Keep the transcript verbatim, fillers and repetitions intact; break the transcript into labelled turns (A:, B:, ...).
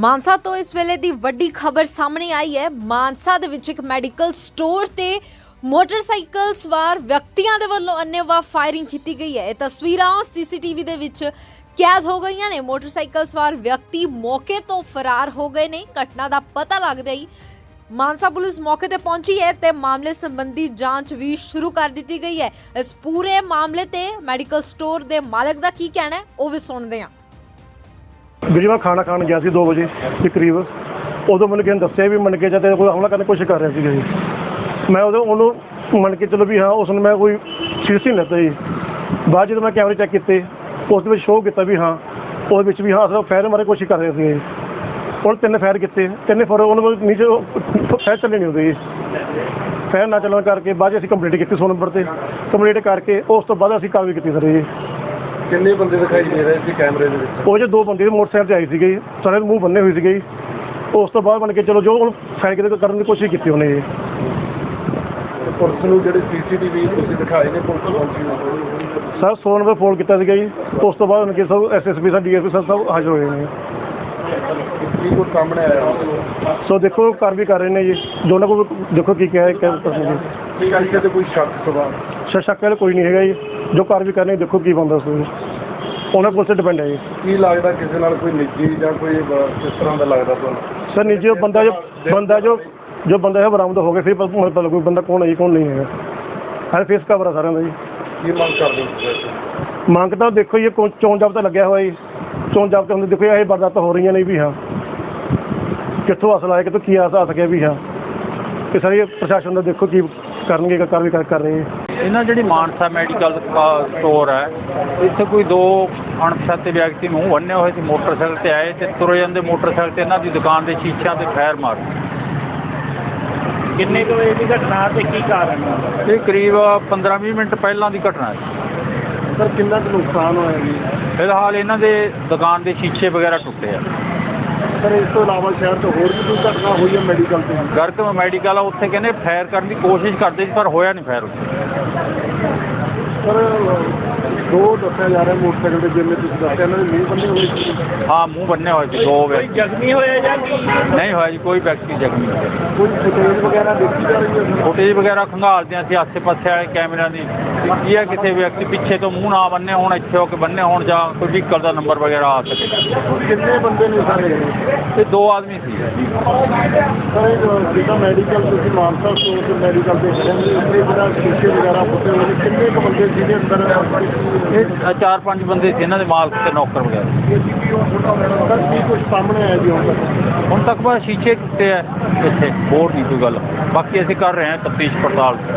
A: ਮਾਨਸਾ ਤੋਂ ਇਸ ਵੇਲੇ ਦੀ ਵੱਡੀ ਖਬਰ ਸਾਹਮਣੇ ਆਈ ਹੈ। ਮਾਨਸਾ ਦੇ ਵਿੱਚ ਇੱਕ ਮੈਡੀਕਲ ਸਟੋਰ ਤੇ ਮੋਟਰਸਾਈਕਲ ਸਵਾਰ ਵਿਅਕਤੀਆਂ ਦੇ ਵੱਲੋਂ ਅੰਨ੍ਹੇਵਾਹ ਫਾਇਰਿੰਗ ਕੀਤੀ ਗਈ ਹੈ। ਇਹ ਤਸਵੀਰਾਂ ਸੀਸੀਟੀਵੀ ਦੇ ਵਿੱਚ ਕੈਦ ਹੋ ਗਈਆਂ ਨੇ। ਮੋਟਰਸਾਈਕਲ ਸਵਾਰ ਵਿਅਕਤੀ ਮੌਕੇ ਤੋਂ ਫਰਾਰ ਹੋ ਗਏ ਨੇ। ਘਟਨਾ ਦਾ ਪਤਾ ਲੱਗਦਾ ਹੀ ਮਾਨਸਾ ਪੁਲਿਸ ਮੌਕੇ ਤੇ ਪਹੁੰਚੀ ਹੈ ਤੇ ਮਾਮਲੇ ਸੰਬੰਧੀ ਜਾਂਚ ਵੀ ਸ਼ੁਰੂ ਕਰ ਦਿੱਤੀ ਗਈ ਹੈ। ਇਸ ਪੂਰੇ ਮਾਮਲੇ ਤੇ ਮੈਡੀਕਲ ਸਟੋਰ ਦੇ ਮਾਲਕ ਦਾ ਕੀ ਕਹਿਣਾ ਹੈ ਉਹ ਵੀ ਸੁਣਦੇ ਹਾਂ।
B: ਵੀਰੇ ਮੈਂ ਖਾਣਾ ਖਾਣ ਗਿਆ ਸੀ ਦੋ ਵਜੇ ਦੇ ਕਰੀਬ। ਉਦੋਂ ਮੈਨੂੰ ਕਿਸੇ ਨੇ ਦੱਸਿਆ ਵੀ ਮੰਨ ਕੇ ਜਾਂਦੇ ਕੋਈ ਹਮਲਾ ਕਰਨ ਦੀ ਕੋਸ਼ਿਸ਼ ਕਰ ਰਿਹਾ ਸੀਗਾ ਜੀ। ਮੈਂ ਉਦੋਂ ਉਹਨੂੰ ਮੰਨ ਕੇ ਚਲੋ ਵੀ ਹਾਂ ਉਸ ਨੂੰ ਮੈਂ ਕੋਈ ਸੀਰੀਅਸ ਨਹੀਂ ਲਿੱਤਾ ਜੀ। ਬਾਅਦ ਜਦੋਂ ਮੈਂ ਕੈਮਰੇ ਚੈੱਕ ਕੀਤੇ ਉਸ ਦੇ ਵਿੱਚ ਸ਼ੋਅ ਕੀਤਾ ਵੀ ਹਾਂ ਉਹਦੇ ਵਿੱਚ ਵੀ ਹਾਂ ਅਸਲ ਫਾਇਰ ਮਾਰੇ ਕੋਸ਼ਿਸ਼ ਕਰ ਰਹੇ ਸੀ। ਹੁਣ ਤਿੰਨ ਫਾਇਰ ਕੀਤੇ, ਤਿੰਨੇ ਫਾਇਰ ਉਹਨੂੰ ਨੀਚੇ ਫਾਇਰ ਚੱਲੇ ਨਹੀਂ ਹੁੰਦੇ ਜੀ। ਫਾਇਰ ਨਾ ਚੱਲਣ ਕਰਕੇ ਬਾਅਦ ਅਸੀਂ ਕੰਪਲੀਟ ਕੀਤੀ ਸੌ ਨੰਬਰ ਤੇ। ਕੰਪਲੀਟ ਕਰਕੇ ਉਸ ਤੋਂ ਬਾਅਦ ਅਸੀਂ ਕਾਰਵਾਈ ਕੀਤੀ ਸਰ ਜੀ।
C: ਕਿੰਨੇ ਬੰਦੇ ਦਿਖਾਈ ਦੇ ਰਹੇ ਸੀ ਕੈਮਰੇ ਦੇ ਵਿੱਚ?
B: ਉਹ ਜੇ ਦੋ ਬੰਦੇ ਮੋਟਰਸਾਈਕਲ ਤੇ ਆਏ ਸੀਗੇ, ਸਾਰੇ ਮੂੰਹ ਬੰਨੇ ਹੋਏ ਸੀਗੇ। ਉਸ ਤੋਂ ਬਾਅਦ ਬਣ ਕੇ ਚਲੋ ਜੋ ਫਾਇਰ ਕਰਨ ਦੀ ਕੋਸ਼ਿਸ਼ ਕੀਤੀ ਉਹਨੇ ਜੀ।
C: ਪੁਲਿਸ ਨੂੰ ਜਿਹੜੇ ਸੀਸੀਟੀਵੀ ਤੁਸੀਂ ਦਿਖਾਏ ਨੇ ਪੁਲਿਸ ਪਹੁੰਚੀ
B: ਸਰ ਸੌ ਨੰਬਰ ਫੋਨ ਕੀਤਾ ਸੀਗਾ ਜੀ। ਉਸ ਤੋਂ ਬਾਅਦ ਕਿ ਸਭ ਐਸ ਐਸ ਪੀ ਸਾਹਿਬ ਡੀ ਐਸ ਪੀ ਸਾਹਿਬ ਸਭ ਹਾਜ਼ਰ ਹੋਏ ਨੇ।
C: ਕੀ ਕੁਝ ਸਾਹਮਣੇ ਆਇਆ?
B: ਸੋ ਦੇਖੋ ਕਾਰ ਵੀ ਕਰ ਰਹੇ ਨੇ ਜੀ। ਦੋਨਾਂ ਕੋਲ ਦੇਖੋ ਕੀ ਕਿਹਾ ਹੈ
C: ਕੀ ਤੇ ਕੋਈ ਸ਼ੱਕ ਸਵਾਲ
B: ਸ਼ੱਕ ਵਾਲਾ ਕੋਈ ਨਹੀਂ ਹੈਗਾ ਜੀ। ਜੋ ਕਾਰ ਵੀ ਕਰਨੇ ਦੇਖੋ ਕੀ ਬੰਦਾ ਸੋ ਉਹਨਾਂ ਪੁਲਿਸ ਤੇ ਡਿਪੈਂਡ ਹੈ ਜੀ।
C: ਕੀ ਲੱਗਦਾ ਕਿਸੇ ਨਾਲ ਕੋਈ ਨਿੱਜੀ ਜਾਂ ਕੋਈ ਇਸ ਤਰ੍ਹਾਂ ਦਾ ਲੱਗਦਾ ਤੁਹਾਨੂੰ?
B: ਸਰ ਨਿੱਜੀ ਉਹ ਬੰਦਾ ਜੋ ਬੰਦਾ ਜੋ ਜੋ ਬੰਦਾ ਹੈ ਬਰਾਮਦ ਹੋ ਗਿਆ ਫਿਰ ਪਤਾ ਲੱਗੂ ਬੰਦਾ ਕੌਣ ਹੈ ਜੀ ਕੌਣ ਨਹੀਂ ਹੈਗਾ। ਹਰ ਫੇਸ ਕਵਰ ਆ ਸਾਰਿਆਂ ਦਾ ਜੀ।
C: ਕੀ ਮੰਗ ਕਰਦੇ ਹੋ?
B: ਮੰਗ ਤਾਂ ਦੇਖੋ ਜੀ ਚੋਣ ਜਾਬਤਾ ਲੱਗਿਆ ਹੋਇਆ ਜੀ। ਚੋਣ ਜਾਬਤੇ ਹੁੰਦੇ ਦੇਖੋ ਇਹ ਵਾਰਦਾਤਾਂ ਹੋ ਰਹੀਆਂ ਨੇ ਵੀ ਹਾਂ ਕਿੱਥੋਂ ਅਸਲ ਆਇਆ ਕਿੱਥੋਂ ਕੀ ਆਸ ਆ ਸਕਿਆ ਵੀ ਹਾਂ ਕਿ ਸਾਰੇ ਪ੍ਰਸ਼ਾਸਨ ਦਾ ਦੇਖੋ ਕੀ ਕਰਨਗੇ ਕਾਰਵਾਈ ਕਰ ਰਹੇ।
D: ਇਹਨਾਂ ਜਿਹੜੀ ਮਾਨਸਾ ਮੈਡੀਕਲ ਸਟੋਰ ਹੈ ਇੱਥੇ ਕੋਈ ਦੋ ਅਣਪਛਾਤੇ ਵਿਅਕਤੀ ਮੂੰਹ ਬੰਨੇ ਹੋਏ ਸੀ ਮੋਟਰਸਾਈਕਲ ਤੇ ਆਏ ਤੇ ਤੁਰੇ ਜਾਂਦੇ ਮੋਟਰਸਾਈਕਲ ਤੇ ਇਹਨਾਂ ਦੀ ਦੁਕਾਨ ਦੇ ਸ਼ੀਸ਼ਿਆਂ ਤੇ ਫਾਇਰ ਮਾਰੇ।
B: ਕਿੰਨੇ ਕੁ ਵਜੇ ਦੀ ਘਟਨਾ ਤੇ ਕੀ ਕਾਰਨ?
D: ਇਹ ਕਰੀਬ ਪੰਦਰਾਂ ਵੀਹ ਮਿੰਟ ਪਹਿਲਾਂ ਦੀ ਘਟਨਾ ਹੈ।
C: ਸਰ ਕਿੰਨਾ ਕੁ ਨੁਕਸਾਨ ਹੋਇਆ ਜੀ?
D: ਫਿਲਹਾਲ ਇਹਨਾਂ ਦੇ ਦੁਕਾਨ ਦੇ ਸ਼ੀਸ਼ੇ ਵਗੈਰਾ ਟੁੱਟੇ ਆ।
C: ਸਰ ਇਸ ਤੋਂ ਇਲਾਵਾ ਸ਼ਹਿਰ ਤੋਂ ਹੋਰ ਵੀ ਕੋਈ ਘਟਨਾ ਹੋਈ ਹੈ ਮੈਡੀਕਲ ਤੇ?
D: ਗਰਕ ਮੈਡੀਕਲ ਆ ਉੱਥੇ ਕਹਿੰਦੇ ਫਾਇਰ ਕਰਨ ਦੀ ਕੋਸ਼ਿਸ਼ ਕਰਦੇ ਸੀ ਪਰ ਹੋਇਆ ਨਹੀਂ ਫਾਇਰ ਉੱਥੇ।
C: ਸਰ ਦੋ ਦੱਸਿਆ ਜਾ ਰਿਹਾ ਮੋਟਰਸਾਈਕਲ ਦੇ ਜਿਵੇਂ ਤੁਸੀਂ ਦੱਸਿਆ ਇਹਨਾਂ ਦੇ ਮੂੰਹ ਬੰਨੇ ਹੋਏ ਸੀ।
D: ਹਾਂ ਮੂੰਹ ਬੰਨੇ ਹੋਏ ਸੀ ਦੋ ਵਿਅਕਤੀ।
B: ਜ਼ਖਮੀ ਹੋਇਆ ਜਾਂ
D: ਨਹੀਂ ਹੋਇਆ ਜੀ ਕੋਈ ਵਿਅਕਤੀ ਜ਼ਖਮੀ ਨਹੀਂ ਹੋਇਆ।
C: ਕੋਈ ਫੁਟੇਜ ਵਗੈਰਾ ਦੇਖੀ ਜਾ ਰਹੀ ਹੈ?
D: ਫੁਟੇਜ ਵਗੈਰਾ ਖੰਗਾਲਦੇ ਅਸੀਂ ਆਸੇ ਪਾਸੇ ਵਾਲੇ ਕੈਮਰਿਆਂ ਦੀ ਕੀ ਹੈ ਕਿਸੇ ਵਿਅਕਤੀ ਪਿੱਛੇ ਤੋਂ ਮੂੰਹ ਨਾ ਬੰਨੇ ਹੋਣ ਇੱਥੇ ਹੋ ਕੇ ਬੰਨੇ ਹੋਣ ਜਾਂ ਕੋਈ ਵਹੀਕਲ ਦਾ ਨੰਬਰ ਵਗੈਰਾ ਆ ਸਕੇ।
C: ਕਿੰਨੇ ਬੰਦੇ ਨੇ ਸਾਰੇ?
D: ਇਹ ਦੋ ਆਦਮੀ ਸੀ।
C: ਸਰ ਜਿਹੜਾ ਮੈਡੀਕਲ ਤੁਸੀਂ ਮਾਨਸਾ ਸਟੋਰ ਤੇ ਮੈਡੀਕਲ ਦੇ ਖੜੇ ਨੇ ਉੱਥੇ ਜਿਹੜਾ ਸ਼ੀਸ਼ੇ ਵਗੈਰਾ ਫੁੱਟੇ ਹੋਏ ਨੇ ਕਿੰਨੇ ਕੁ ਬੰਦੇ ਜਿਹਦੇ ਅੰਦਰ
D: ਇਹ ਚਾਰ ਪੰਜ ਬੰਦੇ ਸੀ ਇਹਨਾਂ ਦੇ ਮਾਲਕ ਤੇ ਨੌਕਰ ਵਗੈਰਾ।
C: ਸਰ ਕੀ ਕੁਝ ਸਾਹਮਣੇ ਆਇਆ ਜੀ ਹੁਣ ਤੱਕ?
D: ਹੁਣ ਤੱਕ ਬਸ ਸ਼ੀਸ਼ੇ ਟੁੱਟੇ ਆ ਇੱਥੇ ਹੋਰ ਨਹੀਂ ਕੋਈ ਗੱਲ। ਬਾਕੀ ਅਸੀਂ ਕਰ ਰਹੇ ਹਾਂ ਤਫਤੀਸ਼ ਪੜਤਾਲ।